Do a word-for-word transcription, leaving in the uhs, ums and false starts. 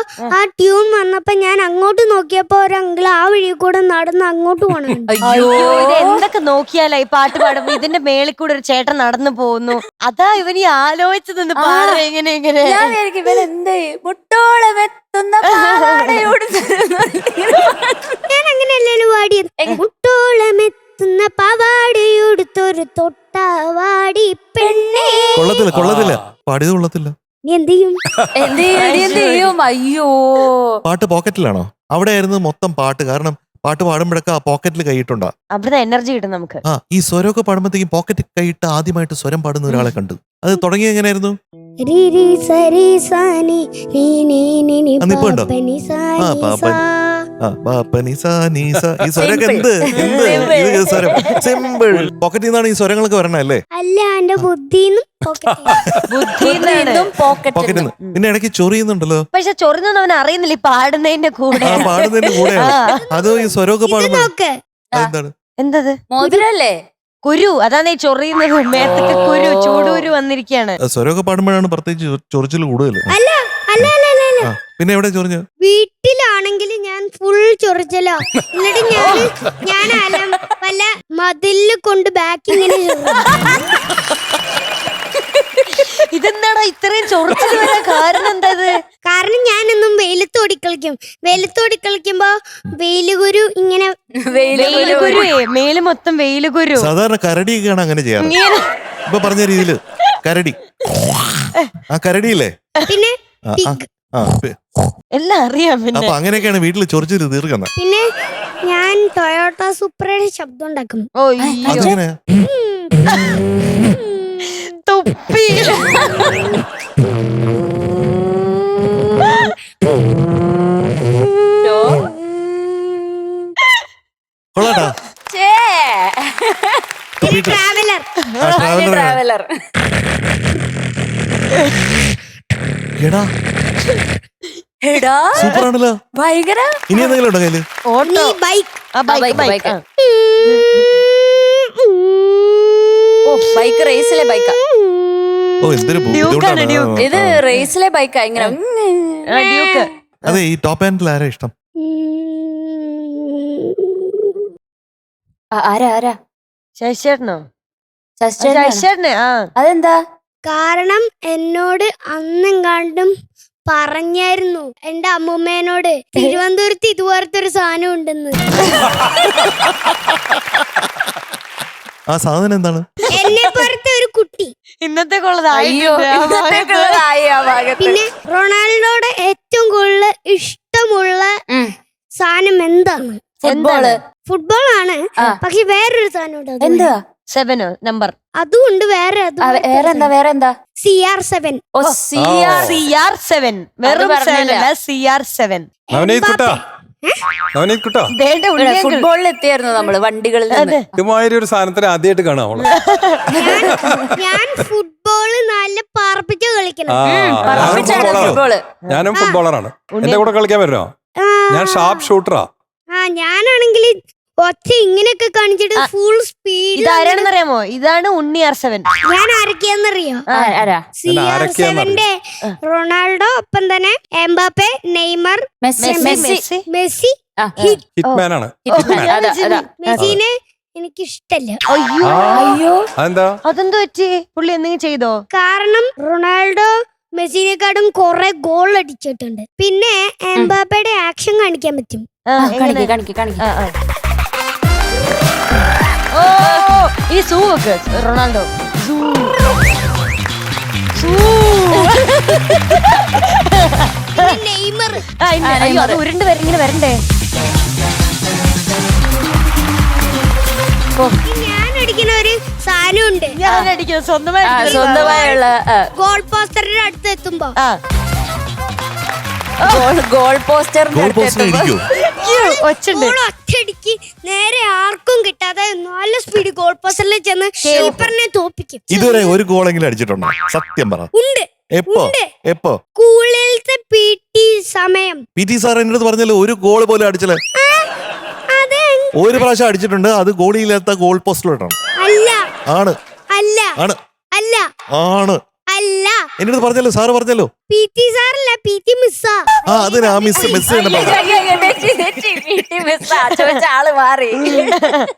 ആ ട്യൂൺ വന്നപ്പോ ഞാൻ അങ്ങോട്ട് നോക്കിയപ്പോ ഒരു അങ്കിൾ ആ വഴി കൂടെ നടന്ന് അങ്ങോട്ട് പോണു. അയ്യോ ഇത് എന്തൊക്കെ നോക്കിയാലാ ഈ പാട്ട് പാടുമ്പോ ഇതിന്റെ മേളിൽ കൂടെ ഒരു ചേട്ടൻ നടന്നു പോകുന്നു. അതാ ഇവനീ ആലോചിച്ചു നിന്ന് പാടും എങ്ങനെ എങ്ങനെ. ഞാൻ അങ്ങനെയല്ലല്ലോ പാടിയത്. മുട്ടോളമെത്തുന്ന പാവാടയുടുത്തൊരു തൊട്ടാവാടി പെണ്ണേ. കൊള്ളത്തില്ല കൊള്ളത്തില്ല പാടിയത് കൊള്ളത്തില്ല. നീ എന്ത് ചെയ്യും? എന്ത് ചെയ്യും? അയ്യോ പാട്ട് പോക്കറ്റിലാണോ? അവിടെ ആയിരുന്നു മൊത്തം പാട്ട്. കാരണം പാട്ട് പാടുമ്പോഴൊക്കെ ആ പോക്കറ്റിൽ കൈയിട്ടുണ്ടാ. അവിടുന്ന് എനർജി കിട്ടും നമുക്ക്. ആ ഈ സ്വരമൊക്കെ പാടുമ്പോഴത്തേക്കും പോക്കറ്റ് കൈയിട്ട് ആദ്യമായിട്ട് സ്വരം പാടുന്ന ഒരാളെ കണ്ടു. അത് തുടങ്ങി എങ്ങനെയായിരുന്നു? ഈ സ്വരമൊക്കെ എന്ത് എന്ത് ഇത് സ്വരം സിമ്പിൾ. പോക്കറ്റിൽ നിന്നാണ് ഈ സ്വരങ്ങളൊക്കെ വരണല്ലേ? അല്ല, എന്റെ ബുദ്ധിന്നും പോക്കറ്റിൽ നിന്ന്. പിന്നെ ഇടയ്ക്ക് ചൊറിയുന്നുണ്ടല്ലോ. പക്ഷെ ചൊറിഞ്ഞൊന്നും അവൻ അറിയുന്നില്ല ഈ പാടുന്നതിന്റെ കൂടെ. ആ പാടുന്നതിന്റെ കൂടെയാണ്. അത് ഈ സ്വരമൊക്കെ പാടുമ്പോ എന്താണ്? എന്തത്? മോതിരല്ലേ? കുരു. അതാണ് ഈ ചൊറിയുന്നത്. മേത്തൊക്കെ കുരു, ചൂടൂരു വന്നിരിക്കുകയാണ്. സ്വരമൊക്കെ പാടുമ്പോഴാണ് പ്രത്യേകിച്ച് ചൊറിച്ചിൽ കൂടുതൽ. അല്ല അല്ല അല്ല അല്ല പിന്നെ എവിടെ ചൊറിഞ്ഞു? വീട്ടിലാണെങ്കിൽ ഞാൻ ഫുൾ ചൊറിച്ചലോ. എന്നിട്ട് ഞാൻ ഞാൻ അലം വല്ല മതില് കൊണ്ട് ബാക്ക് ഇങ്ങനെ ഇതെന്താടാ ഇത്രയും ചൊറിച്ചിൽ വരാൻ കാരണം എന്താ? കാരണം ഞാനെന്നും വെയിലത്തോടി കളിക്കും. വെയിലത്തോടി കളിക്കുമ്പോ വെയിലുകുരു ഇങ്ങനെ വെയിലുകുരു, മേല് മൊത്തം വെയിലുകുരു. സാധാരണ കരടിയൊക്കെയാണ് അങ്ങനെ ചെയ്യാറ്. ഇപ്പൊ പറഞ്ഞ രീതിയില് കരടി, ആ കരടിയില്ലേ, പിന്നെ എല്ലാം അറിയാം. അപ്പൊ അങ്ങനെയൊക്കെയാണ് വീട്ടിൽ ചൊറിച്ചിട്ട് തീർക്കുന്നത്. പിന്നെ ഞാൻ ടൊയോട്ട സൂപ്പറയുടെ ശബ്ദം ഉണ്ടാക്കും. അതെങ്ങനെ? തൊപ്പി. കൊള്ളാട്ടാ. ട്രാവലർ ട്രാവലർ എടാ എടാ സൂപ്പറാണല്ലോ. ഭയങ്കര. ഇനി എന്തെങ്കിലും ഉണ്ടോ കയ്യില്? Auto, bike. ബൈക്ക്. ബൈക്ക് റേസിലെ ബൈക്കാ. ഓ എന്തൊരു ബുദ്ധിമുട്ടാണ്. ഇത് റേസിലെ ബൈക്കാ. ഇങ്ങനെ ഡ്യൂക്ക്. അതെ. ഈ ടോപ്പ് ഹാൻഡിൽ ആരാ ഇഷ്ടം? ആരാ ആരാ? ശശിചേട്ടനോ? ശശിചേട്ടൻ. ശശിചേട്ടനെ. ആ അതെന്താ? കാരണം എന്നോട് അന്നെങ്ങാണ്ടും പറഞ്ഞായിരുന്നു എന്റെ അമ്മൂമ്മേനോട് തിരുവനന്തപുരത്ത് ഇതുപോലത്തെ ഒരു സാധനം ഉണ്ടെന്ന്. ആ സാധനം എന്താണ്? എന്നെ പോലത്തെ ഒരു കുട്ടി. ഇന്നത്തെ പിന്നെ റൊണാൾഡോയുടെ ഏറ്റവും കൂടുതൽ ഇഷ്ടമുള്ള സാധനം എന്താണ്? ഫുട്ബോള്. ഫുട്ബോൾ ആണ്. പക്ഷെ വേറൊരു സാധനം ഉണ്ട്. എന്താ? സെവനോ നമ്പർ? അതുകൊണ്ട് വേറെ വേറെന്താ? വേറെന്താ? C R seven. C R seven. വെറും സെവൻ അല്ല, സി ആർ സെവൻ. ഫുട്ബോളിൽ എത്തിയായിരുന്നു നമ്മള് വണ്ടികളിൽ. ഇതുമാതിരി ഒരു സാധനത്തിന് ആദ്യമായിട്ട് കാണാം. ഞാൻ ഫുട്ബോള് നല്ല പറപ്പിച്ച് കളിക്കണം. ഞാനും ഫുട്ബോളറാണ്. എന്റെ കൂടെ കളിക്കാൻ പറ്റുമോ? ഞാൻ ഷാർപ്പ് ഷൂട്ടറാ. ആ ഞാനാണെങ്കിൽ ഒറ്റ ഇങ്ങനെയൊക്കെ കാണിച്ചിട്ട് ഫുൾ സ്പീഡ്. ഇതാരാണെന്നറിയാമോ? ഇതാണ് ഉണ്ണി ആർ സെവൻ. ഞാൻ ആരൊക്കെയാന്നറിയോ? സി ആർ സെവന്റെ റൊണാൾഡോ, ഒപ്പം തന്നെ എംബാപ്പെ, നെയ്മർ, മെസ്സി. മെസ്സി ഹിറ്റ്മാനാണ്. മെസ്സിനെ എനിക്ക് ഇഷ്ടല്ല. അയ്യോ അയ്യോ അതെന്താ? അതെന്തോ പറ്റി? പുള്ളി എന്തെങ്കിലും ചെയ്തോ? കാരണം റൊണാൾഡോ മെസ്സിനെക്കാളും കുറെ ഗോൾ അടിച്ചിട്ടുണ്ട്. പിന്നെ എംബാപ്പയുടെ ആക്ഷൻ കാണിക്കാൻ പറ്റും. ഓ ഈ സൂ ഒക്കെ റൊണാൾഡോ. നെയ്മർ. അത് ഉരുണ്ട് ഇങ്ങനെ വരണ്ടേ? ഞാൻ അടിക്കുന്ന ഒരു സാധനമുണ്ട്. ഞാൻ അടിക്കുന്നത് സ്വന്തമായി സ്വന്തമായുള്ള ഗോൾ പോസ്റ്ററിന്റെ അടുത്ത് എത്തുമ്പോ ഗോൾ പോസ്റ്ററിന്റെ ഒറ്റയടിക്ക് നേരെ ആർക്കും കിട്ടാതെ നല്ല സ്പീഡ് ഗോൾ പോസ്റ്ററിൽ ചെന്ന് കീപ്പറിനെ തോപ്പിക്കും. ഇതുവരെ ഒരു ഗോളെങ്കിലും അടിച്ചിട്ടുണ്ടോ? സത്യം പറ. ഉണ്ട്. എപ്പോ? എപ്പോ? സ്കൂളിലത്തെ പി ടി സമയം. പി ടി സാർ എന്റെ അടുത്ത് പറഞ്ഞല്ലോ ഒരു ഗോൾ പോലും അടിച്ചില്ല. ഒരു പ്രാവശ്യം അടിച്ചിട്ടുണ്ട്. അത് ഗോളിയില്ലാത്ത ഗോൾ പോസ്റ്റിലോട്ടാണ്. അല്ല. ആണ്. അല്ല. ആണ്. അല്ല. ആണ്. അല്ല. എന്റെ അടുത്ത് പറഞ്ഞല്ലോ, സാറ് പറഞ്ഞല്ലോ. പി ടി സാറല്ല, പി ടി മിസ്സാ. ആ അതിനാ മിസ് മിസ് എന്ന് പറഞ്ഞു വീട്ടിൽ മിസ് ചോദിച്ച ആള് മാറി